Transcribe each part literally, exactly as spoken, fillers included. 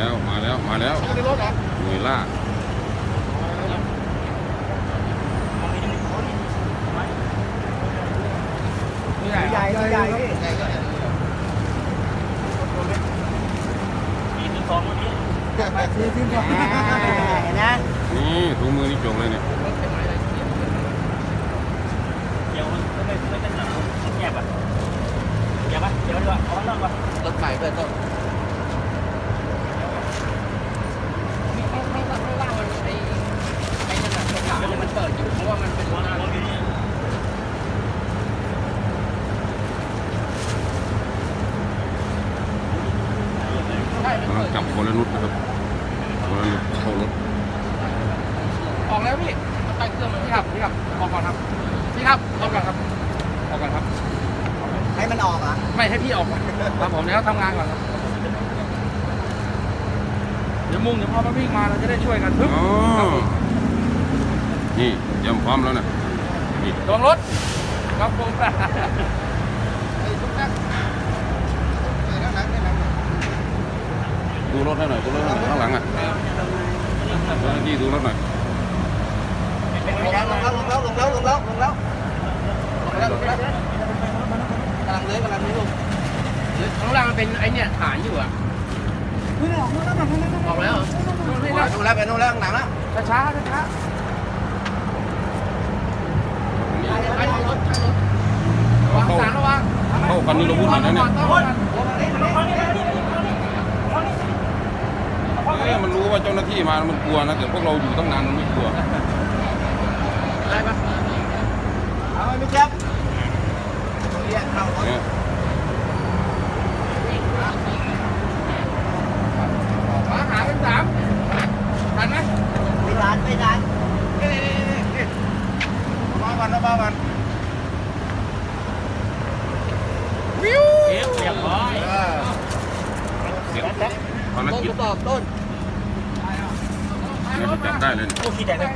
แล้วมาแล้วมาแล้วหน่วยล่าใหญ่ใหญ่ใหญ่พี่สี่ถึงสองวันนี้สี่ถึงสองเห็นนะนี่ถุงมือนี่จงเลยเนี่ยเดี๋ยวมันไม่ไม่เป็นหนังแยบอ่ะเดี๋ยวป่ะเดี๋ยวดีกว่าเอาล่างก่อนรถใหม่ด้วยต้นไม่ไม่ไม่ไม่ล่างมันไอ้ไอ้นั่นแหละตัวขามันเปิดอยู่เพราะว่ามันเป็นหัวหน้ารถอยู่นี่กำลังจับคนละนุดนะครับคนละนุดเข้ารถออกแล้วพี่มันไปเครื่องมันพี่ครับพี่ครับออกก่อนครับพี่ครับออกก่อนครับออกก่อนครับให้มันออกอ่ะไม่ให้พี่ออกก่อนครับผมเดี๋ยวทำงานก่อนครับเดี๋ยวมุ่งเดี๋ยวพอมันวิ่งมาเราจะได้ช่วยกันทึบนี่เตรียมพร้อมแล้วนะนี่ลงรถครับผมดูรถให้หน่อยดูรถให้หน่อยข้างหลังอ่ะเจ้าหน้าที่ดูรถหน่อยลงแล้วลงแล้วลงแล้วลงแล้วลงแล้วลงแล้วลงแล้วลงแล้วกำลังเลื้อยกำลังเลื้อยลงข้างล่างมันเป็นไอเนี่ยฐานอยู่อ่ะออกแล้วดูแล้วไปนู่นแล้วหนังแล้วช้าช้าช้าเข้าเข้ากันนี่เราพูดหน่อยนะเนี่ยเอ๊ะมันรู้ว่าเจ้าหน้าที่มามันกลัวนะแต่พวกเราอยู่ตั้งนานมันไม่กลัวอะไรปะเอาไม่เจ็บเนี่ยมาหาเป็นสามทันไหมไม่ทันไม่ทันมาวันนะมาวันวิวเรียบร้อยเสียงภารกิจต้นต้นนี่จับได้เลยโอ้ขี้แดงเลย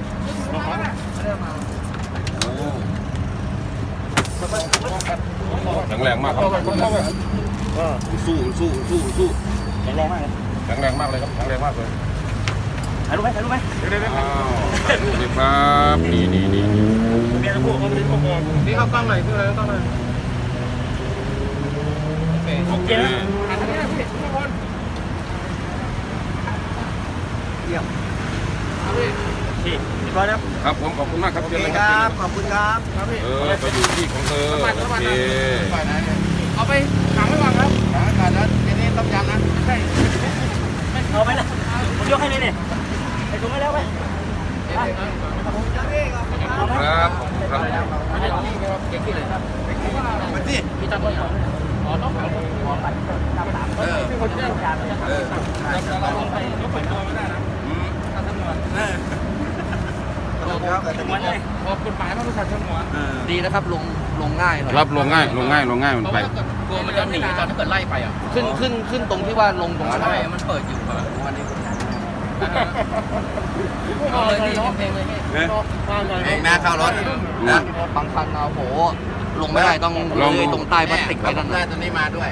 แข็งแรงมากครับสู้สู้สู้สู้แข็งแรงมากเลยแข็งแรงมากเลยครับแข็งแรงมากเลยถ่ายรูปไหมถ่ายรูปไหมเดี๋ยวเดี๋ยวอ้าวถ่ายรูปเลยครับนี่นี่นี่นี่เมียทั้งคู่เขาไม่ได้พวกมองนี่เขากล้องหน่อยเพื่ออะไรกล้องหน่อยโอเคนะถ่ายทางนี้นะพี่ทุกคนเยี่ยมพี่เรียบร้อยแล้วครับผมขอบคุณมากครับเชิญเลยครับขอบคุณครับครับพี่เออไปอยู่ที่ของเธอโอเคเอาไปขังไว้ก่อนครับขังไว้ก่อนแล้วทีนี้ต้องยำนะใช่เอาไปนะผมยกให้เลยเนี่ยไอ้ถุงไม่แล้วไปครับครับเก่งที่เลยครับมาสิพี่ตั้งไว้ก่อนอ๋อต้องขอขอปัดตามสามเออพี่คนที่ได้การเออเราลงไปยกไปตัวไม่ได้นะอืมถ้าทำงานเออเหมือนเลยพอกฎหมายมันรู้จักสมวนดีนะครับลงลงง่ายเลยครับลงง่ายลงง่ายลงง่ายมันไปกลัวมันจะหนีตอนถ้าเกิดไล่ไปอ่ะขึ้นขึ้นขึ้นตรงที่ว่าลงตรงนั้นใช่มันเปิดอยู่ครับวันนี้เอาเลยพี่เพลงเลยพี่แม่เข้ารถนะบางคันเอาโหลงไม่ได้ต้องเลยตรงใต้พลาสติกไว้นั่นนะตัวนี้มาด้วย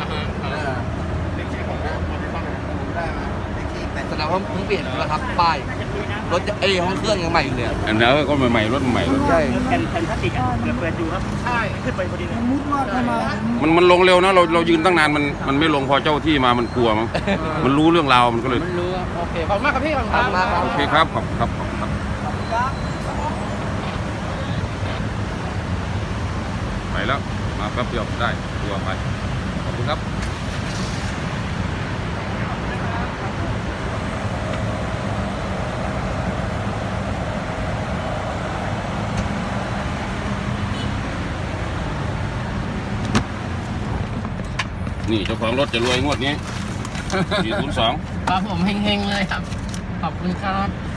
แสดงว่าเพิ่งเปลี่ยนแล้วครับป้ายรถไอ้ห้องเครื่องยังใหม่อยู่เลยอันนี้ก็ใหม่ๆรถใหม่ใช่แผ่นแผ่นพลาสติกอ่ะเปิดอยู่ครับใช่ขึ้นไปพอดีเลยมุดว่าเข้ามามันมันลงเร็วนะเราเรายืนตั้งนานมันมันไม่ลงพอเจ้าที่มามันกลัวมั้งมันรู้เรื่องราวมันก็เลยมันรู้โอเคขอบคุณมากครับพี่ขอบคุณมากครับโอเคครับขอบครับขอบครับไปแล้วมาแป๊บเดียวได้ตัวไปขอบคุณครับนี่เจ้าของรถจะรวยงวดนี้สี่ศูนย์สองครับผมเฮงๆเลยครับขอบคุณครับ